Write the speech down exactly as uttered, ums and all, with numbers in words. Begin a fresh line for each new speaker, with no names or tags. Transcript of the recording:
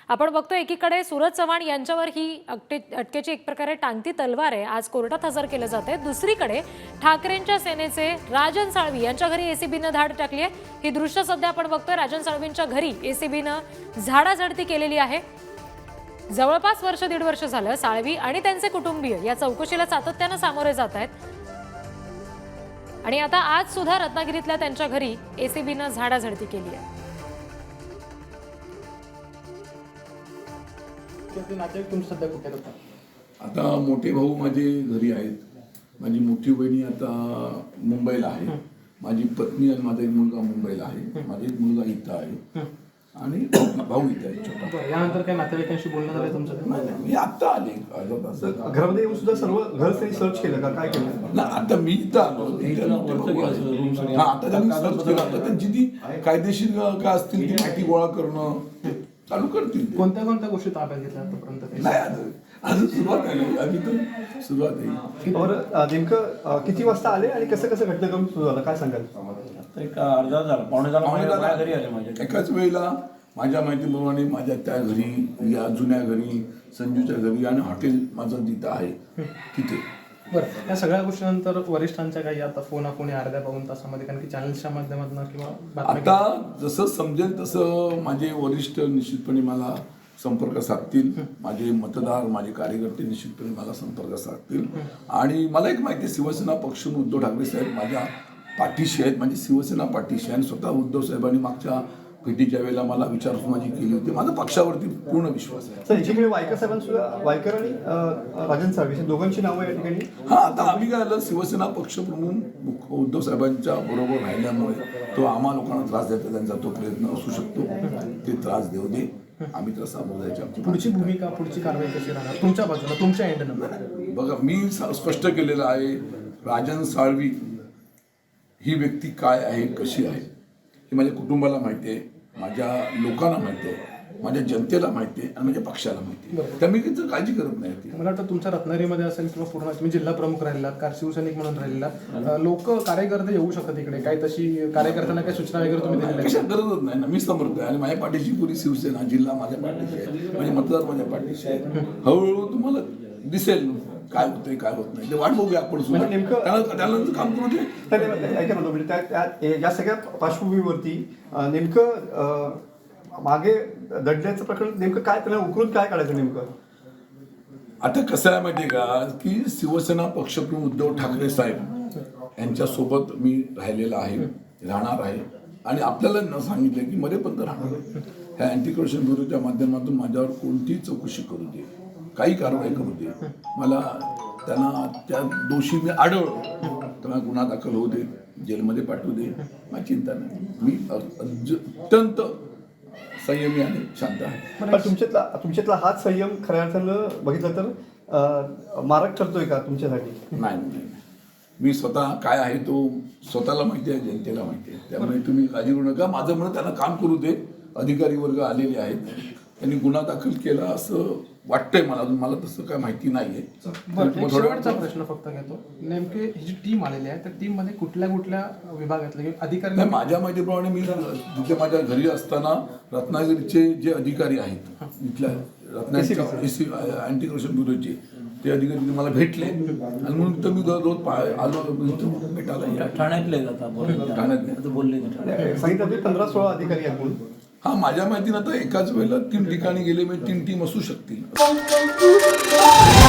आपण बघतो एकीकडे सूरज चव्हाण यांच्यावर ही अटके अटकेची एक प्रकारे टांगती तलवार आहे, आज कोर्टात हजर केले जाते। दुसरीकडे ठाकरेंच्या सेनेचे राजन साळवी यांच्या घरी एसीबीने धाड टाकली आहे। ही दृश्य सध्या आपण बघतोय, राजन साळवींच्या घरी एसीबीने झाडाझडती केलेली आहे। जवळपास वर्ष दीड वर्ष झालं साळवी आणि त्यांचे कुटुंबीय या चौकशीला सातत्याने सामोरे जात आहेत आणि आता आज सुद्धा रत्नागिरीतल्या त्यांच्या घरी एसीबीने झाडाझडती केली आहे।
आता मोठे भाऊ माझे घरी आहेत, माझी मोठी बहिणी आता मुंबईला आहे, माझी पत्नी आणि माझा एक मुलगा मुंबईला आहे, माझा एक मुलगा इथं आहे आणि भाऊ इथं आहे छोटा।
यानंतर काय नातेवाईकांशी बोलणं झालं तुमचं?
नाही मी आता आले अर्धा तास
घरामध्ये येऊन सुद्धा सर्व घर त्यांनी सर्च केलं का, काय केलं?
ना आता मी इथं आलो, हा आता त्यांनी सर्च केलं, आता त्यांची ती कायदेशीर काय असतील ती माहिती गोळा करणं चालू करतील।
कोणत्या कोणत्या गोष्टी ताब्यात घेतल्या आतापर्यंत?
नाही अजून अजून सुरुवात आहे, आम्ही तर सुरुवात आहे।
बरं, नेमकं किती वाजता आले आणि कसं कसं घटनाक्रम सुरू झाला काय सांगाल?
एक अर्धा झाला, पावणे झाला, माझ्या घरी आले माझ्या।
एकाच वेळेला माझ्या माहितीप्रमाणे माझ्या त्या घरी, या जुन्या घरी, संजूच्या घरी आणि हॉटेल माझं जिथं आहे तिथे।
बरं, या सगळ्या गोष्टीनंतर वरिष्ठांच्या काही आता फोन फोन अर्ध्या पाऊन तासामध्ये, कारण की चॅनल्सच्या माध्यमातून किंवा बातम्या
आता जसं समजेल तसं माझे वरिष्ठ निश्चितपणे मला संपर्क साधतील, माझे मतदार माझे कार्यकर्ते निश्चितपणे मला संपर्क साधतील आणि मला एक माहिती आहे, शिवसेना पक्ष उद्धव ठाकरे साहेब माझ्या पाठीशी आहेत, म्हणजे शिवसेना पाठीशी आहे आणि स्वतः उद्धव साहेबांनी मागच्या भेटीच्या वेळेला मला विचारपूस माझी केली होती। माझा पक्षावरती पूर्ण विश्वास आहे।
सर, एकीकडे वायकर साहेबांसुद्धा, वायकर आणि राजन साळवी दोघांची नावं या ठिकाणी।
हा आता आम्ही काय झालं, शिवसेना पक्षप्रमुख उद्धव साहेबांच्या बरोबर राहिल्यामुळे तो आम्हा लोकांना त्रास देतो, त्यांचा तो प्रयत्न असू शकतो, ते त्रास देऊ दे, आम्ही तर सामोरं जायची आमची
पुढची भूमिका, पुढची कारवाई कशी राहणार तुमच्या बाजूला, तुमच्या एंडनं?
बघा, मी स्पष्ट केलेलं आहे, राजन साळवी ही व्यक्ती काय आहे, कशी आहे हे माझ्या कुटुंबाला माहिती आहे, माझ्या लोकांना माहिती आहे, माझ्या जनतेला माहिती आहे आणि माझ्या पक्षाला माहिती आहे, त्यामुळे काही काळजी करत नाही।
मला वाटतं तुमच्या रत्नागिरीमध्ये असेल किंवा पूर्ण तुम्ही जिल्हा प्रमुख राहिला, कार शिवसैनिक म्हणून राहिलेला, लोक कार्यकर्ते येऊ शकतात इकडे, काही तशी कार्यकर्त्यांना काही सूचना वगैरे तुम्ही दिलेल्या?
कशा गरजच नाही ना, मी समर्थ आहे आणि माझ्या पाठीशी पुरी शिवसेना, जिल्हा माझ्या पाठीशी आहे, माझे मतदार माझ्या पाठीशी आहे। हळूहळू तुम्हाला दिसेल काय होतंय काय होत नाही, ते वाट बघूया आपण सुद्धा,
नेमकं
त्यानंतर काम करू दे।
ऐका ना, म्हणजे त्या या सगळ्या पार्श्वभूमीवरती नेमकं मागे दडल्याचं प्रकरण नेमकं काय, त्याला उकरून काय काढायचं नेमकं?
आता कसं आहे माहिती आहे का, की शिवसेना पक्षप्रमुख उद्धव ठाकरे साहेब यांच्यासोबत मी राहिलेला आहे, राहणार आहे आणि आपल्याला न सांगितलं की मरेपर्यंत राहणार आहे। ह्या अँटी करप्शन ब्युरोच्या माध्यमातून माझ्यावर कोणतीही चौकशी करू दे, काही कारवाई करू दे, मला त्यांना त्या दोषी मी आढळलो त्यांना गुन्हा दाखल होऊ दे, जेलमध्ये पाठवू दे, मला चिंता नाही, मी अत्यंत संयमी आणि शांत आहे।
पण तुमच्यातला तुमच्यातला हाच संयम खऱ्या अर्थानं बघितलं तर मारक ठरतोय का तुमच्यासाठी?
नाही नाही, मी स्वतः काय आहे तो स्वतःला माहिती आहे, जनतेला माहिती आहे, त्यामुळे तुम्ही काळजी करू नका। माझं म्हणणं त्यांना काम करू दे, अधिकारी वर्ग आलेले आहेत, त्यांनी गुन्हा दाखल केला असं वाटतंय मला, मला तसं काय माहिती नाहीये।
शेवटचा प्रश्न फक्त घेतो, नेमके ही जी टीम आलेली आहे त्या टीम मध्ये कुठल्या कुठल्या विभागातले अधिकारी?
नाही, माझ्या माहितीप्रमाणे मी तिथे माझ्या घरी असताना रत्नागिरीचे जे अधिकारी आहेत, इथल्या रत्नागिरीच्या एसी अँटी करप्शन ब्युरोचे ते अधिकारी मला भेटले आणि म्हणून तर मी रोज आलो भेटायला।
ठाण्यातले ठाण्यातले बोलले
सांगितलं पंधरा सोळा अधिकारी आहेत म्हणून।
हा, माझ्या माहितीनं आता एकाच वेळेला तीन ठिकाणी गेले, म्हणजे तीन टीम असू शकतील।